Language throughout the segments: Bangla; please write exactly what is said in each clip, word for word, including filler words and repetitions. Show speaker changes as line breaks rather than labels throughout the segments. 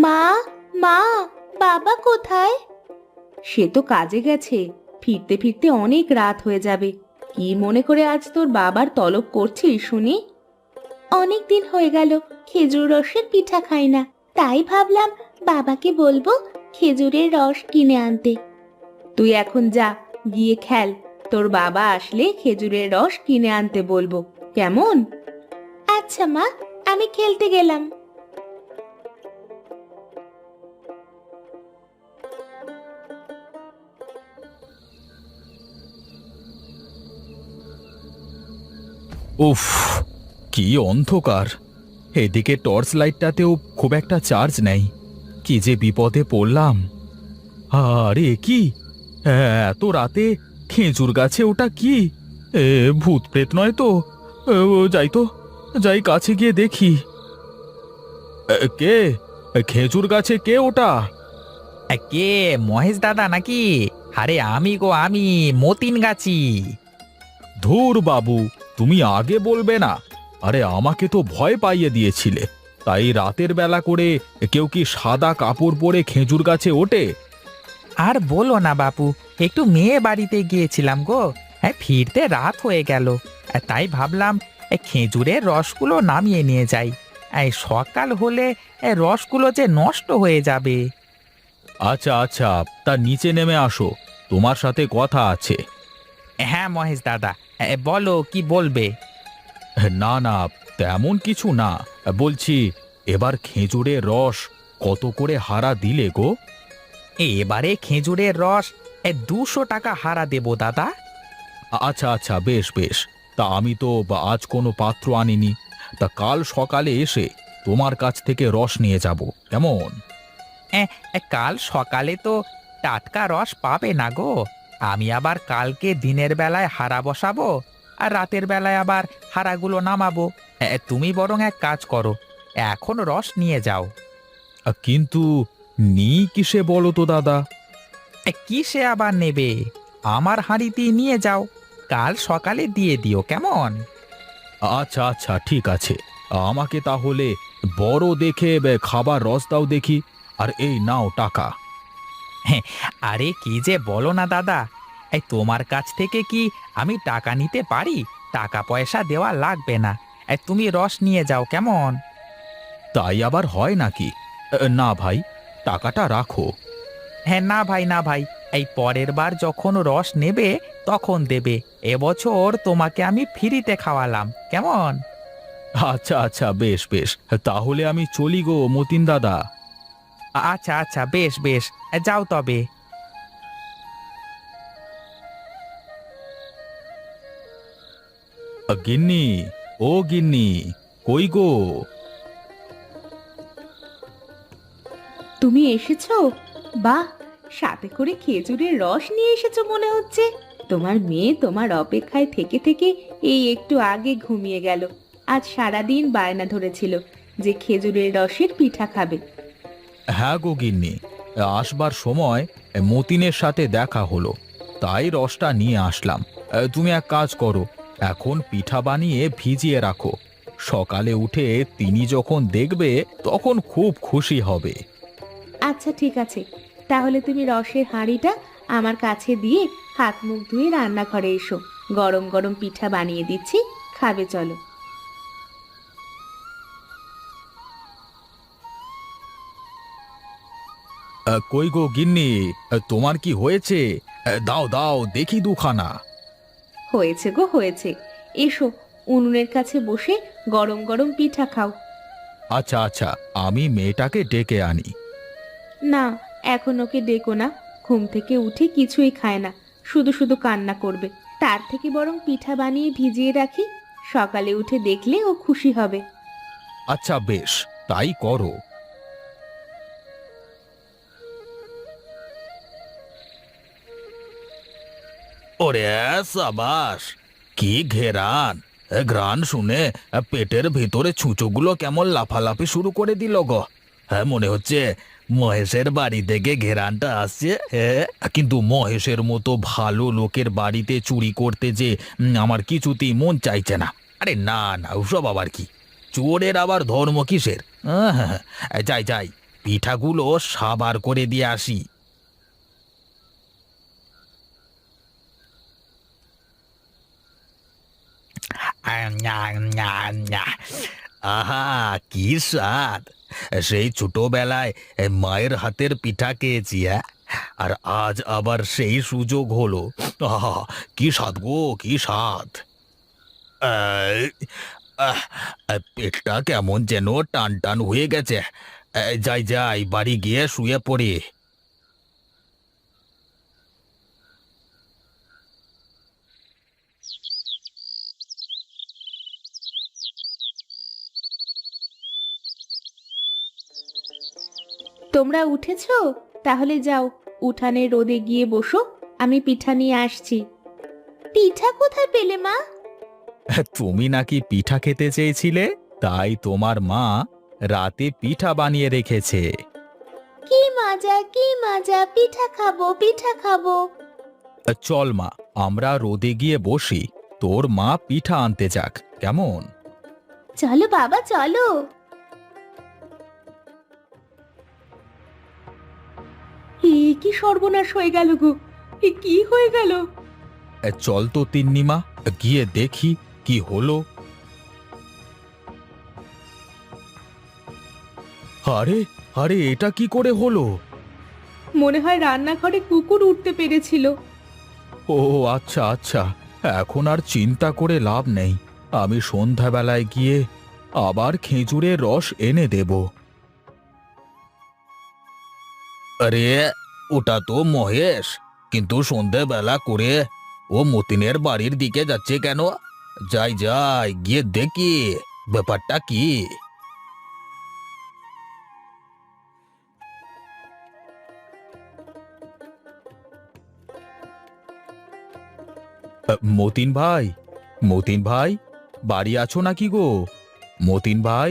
মা, মা, বাবা কোথায়? সে তো কাজে গেছে, ফিরতে ফিরতে অনেক রাত হয়ে যাবে। কি মনে করে আজ তোর বাবার তলব করছিস শুনি? অনেক দিন হয়ে গেল খেজুর রসের পিঠা খাই না, তাই ভাবলাম বাবাকে বলবো খেজুরের রস কিনে আনতে। তুই এখন যা, গিয়ে খেল। তোর বাবা আসলে খেজুরের রস কিনে আনতে বলবো, কেমন? আচ্ছা মা, আমি খেলতে গেলাম।
উফ, কি অন্ধকার! এদিকে টর্চ লাইটটাতেও খুব একটা চার্জ নেই। কি যে বিপদে পড়লাম! আরে কি, এত রাতে খেজুর গাছে ওটা কি? এ ভূত প্রেত নয় তো? এ, ও, যাই তো, যাই কাছে গিয়ে দেখি। এ, কে? খেজুর গাছে কে ওটা?
এ, কে? মহেশ দাদা নাকি? আরে আমি গো, আমি মতিন গাছি।
ধুর বাবু, তুমি আগে বলবে না? আরে আমাকে তো ভয় পাইয়ে দিয়েছিলে। তাই রাতের বেলা করে কেউ কি সাদা কাপড় পরে খেজুর গাছে ওঠে?
আর বলো না বাপু, একটু মেয়ে বাড়িতে গিয়েছিলাম গো। হ্যাঁ, ফিরতে রাত হয়ে গেল। এ, তাই ভাবলাম এ, খেজুরের রসগুলো নামিয়ে নিয়ে যাই। এই সকাল হলে এ, রসগুলো যে নষ্ট হয়ে যাবে।
আচ্ছা আচ্ছা, তা নিচে নেমে আসো, তোমার সাথে কথা আছে।
হ্যাঁ মহেশ দাদা, এ, বলো কি বলবে?
না না, তেমন কিছু না। বলছি, এবার খেজুরের রস কত করে হারা দিলে গো?
এবারে খেজুরের রস এ, দুশো টাকা হারা দেবো দাদা।
আচ্ছা আচ্ছা, বেশ বেশ। তা আমি তো বা আজ কোনো পাত্র আনিনি। তা কাল সকালে এসে তোমার কাছ থেকে রস নিয়ে যাব, কেমন?
এ, এ, কাল সকালে তো টাটকা রস পাবে না গো। আমি আবার কালকে দিনের বেলায় হারা বসাবো, আর রাতের বেলায় আবার হারাগুলো নামাবো। এ, তুমি বরং এক কাজ করো, এখন রস নিয়ে যাও।
আ, কিন্তু নি কিসে বলো তো দাদা?
এ, কিসে আবার নেবে? আমার হাঁড়িতেই নিয়ে যাও, কাল সকালে দিয়ে দিও, কেমন?
আচ্ছা আচ্ছা, ঠিক আছে। আমাকে তাহলে বড় দেখে বে, খাবার রস দাও দেখি। আর এই নাও টাকা।
হ্যাঁ, আরে কি যে বলো না দাদা, এই তোমার কাছ থেকে কি আমি টাকা নিতে পারি? টাকা পয়সা দেওয়া লাগবে না। এই তুমি রস নিয়ে যাও, কেমন?
তাই আবার হয় নাকি? এ, না ভাই, টাকাটা রাখো।
হ্যাঁ, না ভাই, না ভাই, এই পরের বার যখন রস নেবে তখন দেবে। এবছর তোমাকে আমি ফ্রিতে খাওয়ালাম, কেমন?
আচ্ছা আচ্ছা, বেশ বেশ। তাহলে আমি চলি গো মতিন দাদা।
আ- আচ্ছা আচ্ছা, বেশ বেশ, এ, যাও তবে।
আ, গিন্নি, ও গিন্নি, কই গো?
তুমি এসেছো? বাহ, সাথে করে খেজুরের রস নিয়ে এসেছো মনে হচ্ছে। তোমার মেয়ে তোমার অপেক্ষায় থেকে থেকে এই একটু আগে ঘুমিয়ে গেল। আজ সারাদিন বায়না ধরেছিল যে খেজুরের রসের পিঠা খাবে।
হ্যাঁ গো গিন্নি, আসবার সময় মতিনের সাথে দেখা হলো, তাই রসটা নিয়ে আসলাম। এ, তুমি এক কাজ করো, এখন পিঠা বানিয়ে ভিজিয়ে রাখো। সকালে উঠে তিনি যখন দেখবে তখন খুব খুশি হবে।
আচ্ছা ঠিক আছে, তাহলে তুমি রসের হাঁড়িটা আমার কাছে দিয়ে হাত মুখ ধুয়ে রান্নাঘরে এসো। গরম গরম পিঠা বানিয়ে দিচ্ছি, খাবে চলো।
আ, কই গো গিন্নি, আ, তোমার কি হয়েছে? আ, দাও দাও দেখি দুখানা।
হয়েছে গো হয়েছে, এসো উনুনের কাছে বসে গরম গরম পিঠা খাও।
আচ্ছা আচ্ছা, আমি মেয়েটাকে ডেকে আনি।
না, এখন ওকে ডেকো না। ঘুম থেকে উঠে কিছুই খায় না, শুধু শুধু কান্না করবে। তার থেকে বরং পিঠা বানিয়ে ভিজিয়ে রাখি, সকালে উঠে দেখলে ও খুশি হবে।
আচ্ছা বেশ, তাই করো। ওরে সাবাস, কি ঘেরান! এ ঘ্রাণ শুনে এ, পেটের ভিতরে ছুঁচোগুলো কেমন লাফালাফি শুরু করে দিল গো। হ্যাঁ, মনে হচ্ছে মহেশের বাড়ি থেকে ঘেরানটা আসছে। হ্যাঁ, কিন্তু মহেশের মতো ভালো লোকের বাড়িতে চুরি করতে যে উম, আমার কিছুতেই মন চাইছে না। আরে না না, ওসব আবার কি? চোরের আবার ধর্ম কিসের? আহ, হ্যাঁ, হ্যাঁ, যাই যাই, পিঠাগুলো সাবার করে দিয়ে আসি। আহা, কি স্বাদ! সেই ছোটবেলায় মায়ের হাতের পিঠা খেয়েছি, হ্যাঁ, আর আজ আবার সেই সুযোগ হলো। আহা, কি স্বাদ গো, কি স্বাদ! আহ, আহ, পেটটা কেমন যেন টান টান হয়ে গেছে। আহ, যাই যাই, বাড়ি গিয়ে শুয়ে পড়ি।
তোমরা উঠেছো? তাহলে যাও, উঠানে রোদে গিয়ে বসো, আমি পিঠা নিয়ে আসছি। পিঠা কোথায় পেলে মা?
তুমি নাকি পিঠা খেতে চেয়েছিলে, তাই তোমার মা রাতে পিঠা বানিয়ে রেখেছে।
কি মজা, কি মজা, পিঠা খাবো, পিঠা খাবো।
চল মা, আমরা রোদে গিয়ে বসি, তোর মা পিঠা আনতে যাক, কেমন?
চলো বাবা, চলো। এ কি সর্বনাশ হয়ে গেল গো, এ কি হয়ে গেল?
এ, চল তো তিন্নিমা, গিয়ে দেখি কি হলো। আরে আরে, এটা কি করে হলো?
মনে হয় রান্নাঘরে কুকুর উঠতে পেরেছিল।
ও আচ্ছা আচ্ছা, এখন আর চিন্তা করে লাভ নেই। আমি সন্ধ্যাবেলায় গিয়ে আবার খেজুরের রস এনে দেব। আরে, ওটা তো মহেশ, কিন্তু সন্ধ্যাবেলা করে ও মতিনের বাড়ির দিকে যাচ্ছে কেন? যাই যাই, গিয়ে দেখি ব্যাপারটা কি। আ, মতিন ভাই, মতিন ভাই, বাড়ি আছো নাকি গো? মতিন ভাই।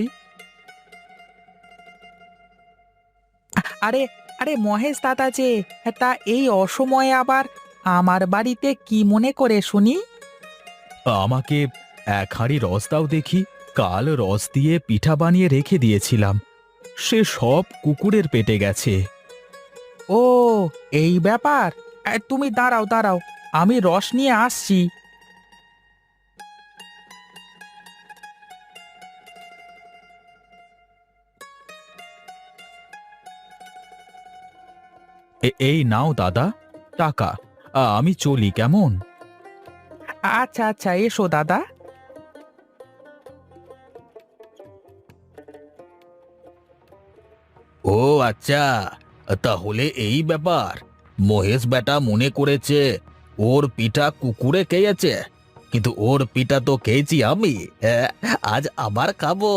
আরে আরে মহেশ দাদা যে, তা এই অসময়ে আবার আমার বাড়িতে কি মনে করে শুনি?
আমাকে এক হাঁড়ি রস দাও দেখি, কাল রস দিয়ে পিঠা বানিয়ে রেখে দিয়েছিলাম, সে সব কুকুরের পেটে গেছে।
ও, এই ব্যাপার। এ, তুমি দাঁড়াও দাঁড়াও, আমি রস নিয়ে আসছি।
এ- এই নাও দাদা, টাকা। আ, আমি চলি, কেমন?
আচ্ছা আচ্ছা, এসো দাদা।
ও আচ্ছা, তাহলে এই ব্যাপার। মহেশ বেটা মনে করেছে ওর পিঠা কুকুরে খেয়েছে, কিন্তু ওর পিঠা তো খেয়েছি আমি। হ্যাঁ, আজ আবার খাবো।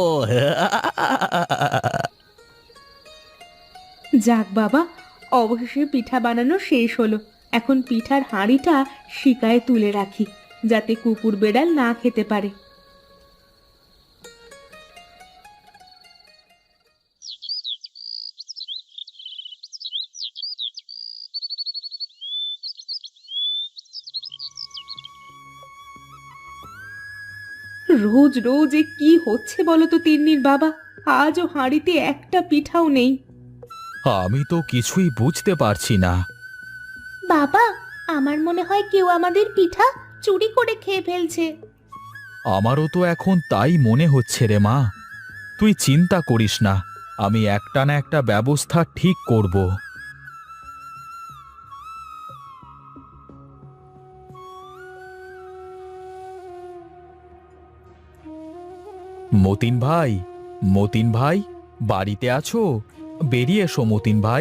যাক বাবা, অবশেষে পিঠা বানানো শেষ হলো। এখন পিঠার হাঁড়িটা শিকায় তুলে রাখি, যাতে কুকুর বেড়াল না খেতে পারে। রোজ রোজ এ কি হচ্ছে বলো তো তিন্নির বাবা? আজও হাঁড়িতে একটা পিঠাও নেই।
আমি তো কিছুই বুঝতে পারছি না।
বাবা, আমার মনে হয় কেউ আমাদের পিঠা চুরি করে খেয়ে ফেলছে।
আমারও তো এখন তাই মনে হচ্ছে রে মা। তুই চিন্তা করিস না, আমি একটা না একটা ব্যবস্থা ঠিক করব। মতিন ভাই, মতিন ভাই, বাড়িতে আছো? বেরিয়ে এসো মতিন ভাই।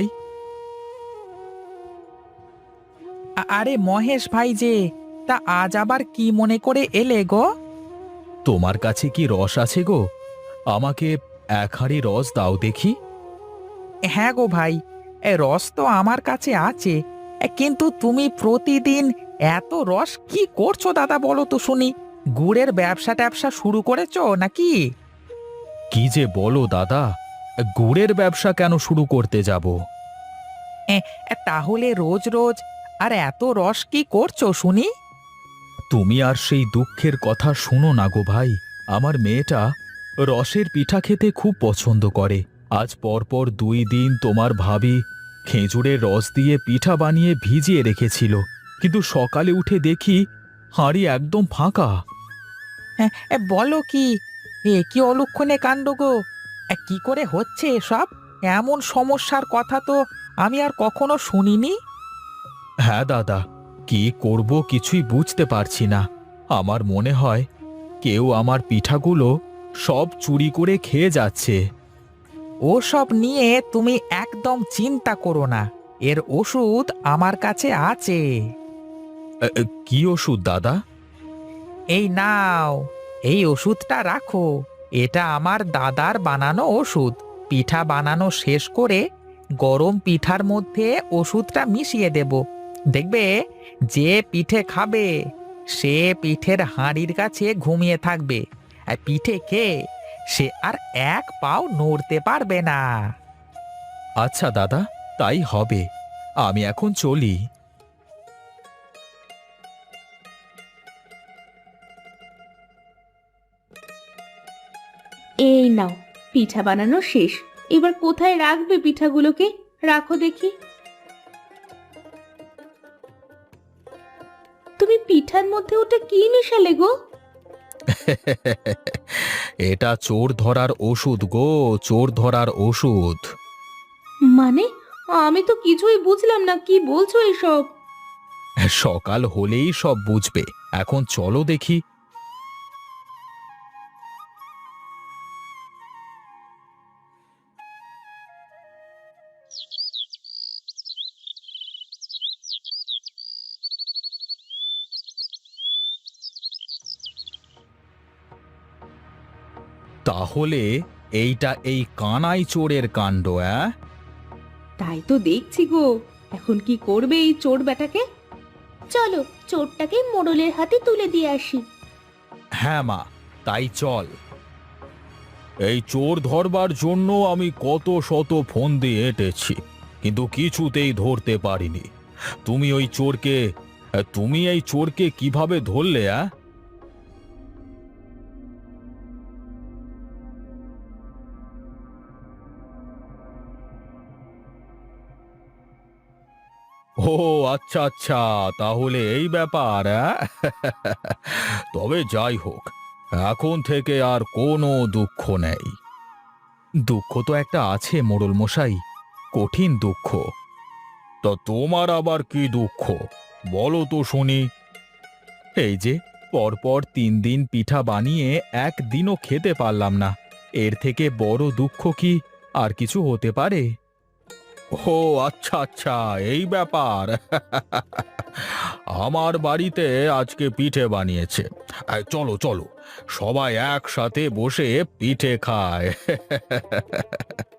আ- আরে মহেশ ভাই যে, তা আজ আবার কি মনে করে এলে গো?
তোমার কাছে কি রস আছে গো? আমাকে এক হাঁড়ি রস দাও দেখি।
হ্যাঁ গো ভাই, এ রস তো আমার কাছে আছে, এ, কিন্তু তুমি প্রতিদিন এত রস কি করছো দাদা, বলো তো শুনি? গুড়ের ব্যবসা ট্যাবসা শুরু করেছো নাকি?
কি যে বলো দাদা, গুড়ের ব্যবসা কেন শুরু করতে যাব?
এ, এ, তাহলে রোজ রোজ আর এত রস কি করছো শুনি?
তুমি আর সেই দুঃখের কথা শুনো না গো ভাই। আমার মেয়েটা রসের পিঠা খেতে খুব পছন্দ করে, আজ পরপর দুই দিন তোমার ভাবি খেজুরের রস দিয়ে পিঠা বানিয়ে ভিজিয়ে রেখেছিল, কিন্তু সকালে উঠে দেখি হাঁড়ি একদম ফাঁকা।
হ্যাঁ, এ বলো কি? এ কি অলক্ষণে কাণ্ড গো! এ কি করে হচ্ছে এসব? এমন সমস্যার কথা তো আমি আর কখনো শুনিনি।
হ্যাঁ দাদা, কি করব কিছুই বুঝতে পারছি না। আমার মনে হয় কেউ আমার পিঠাগুলো সব চুরি করে খেয়ে যাচ্ছে।
ওসব নিয়ে তুমি একদম চিন্তা করো না, এর ওষুধ আমার কাছে আছে।
এ, এ, কি ওষুধ দাদা?
এই নাও, এই ওষুধটা রাখো। এটা আমার দাদার বানানো ওষুধ। পিঠা বানানো শেষ করে গরম পিঠার মধ্যে ওষুধটা মিশিয়ে দেব। দেখবে, যে পিঠে খাবে সে পিঠের হাঁড়ির কাছে ঘুমিয়ে থাকবে, আর পিঠে খেয়ে সে আর এক পাও নড়তে পারবে না।
আচ্ছা দাদা, তাই হবে। আমি এখন চলি।
এই নাও, পিঠা বানানো শেষ। এবার কোথায় রাখবে পিঠাগুলোকে? রাখো দেখি। তুমি পিঠার মধ্যে ওটা কি মেশালে গো?
এটা চোর ধরার ওষুধ গো, চোর ধরার ওষুধ।
মানে, আমি তো কিছুই বুঝলাম না, কি বলছো এসব?
সকাল হলেই সব বুঝবে। এখন চলো দেখি। তাহলে এইটা এই কানাই চোরের কাণ্ড, অ্যাঁ?
তাই তো দেখছি গো। এখন কি করবে এই চোর বেটাকে? চলো, চোরটাকে মোড়লের হাতে তুলে দিয়ে আসি।
হ্যাঁ মা, তাই চল। এই চোর ধরবার জন্য আমি কত শত ফোন দিয়ে এঁটেছি, কিন্তু কিছুতেই ধরতে পারিনি। তুমি ওই চোরকে তুমি এই চোরকে কিভাবে ধরলে? অ্যাঁ? ও আচ্ছা আচ্ছা, তাহলে এই ব্যাপার, অ্যাঁ? তবে যাই হোক, এখন থেকে আর কোনো দুঃখ নেই। দুঃখ তো একটা আছে মোড়ল মশাই, কঠিন দুঃখ। তা তোমার আবার কি দুঃখ, বলো তো শুনি। এই যে পরপর তিন দিন পিঠা বানিয়ে একদিনও খেতে পারলাম না, এর থেকে বড় দুঃখ কি আর কিছু হতে পারে? ও আচ্ছা আচ্ছা, এই ব্যাপার। আমার বাড়িতে আজকে পিঠে বানিয়েছে। আয়, চলো চলো, সবাই একসাথে বসে পিঠে খায়।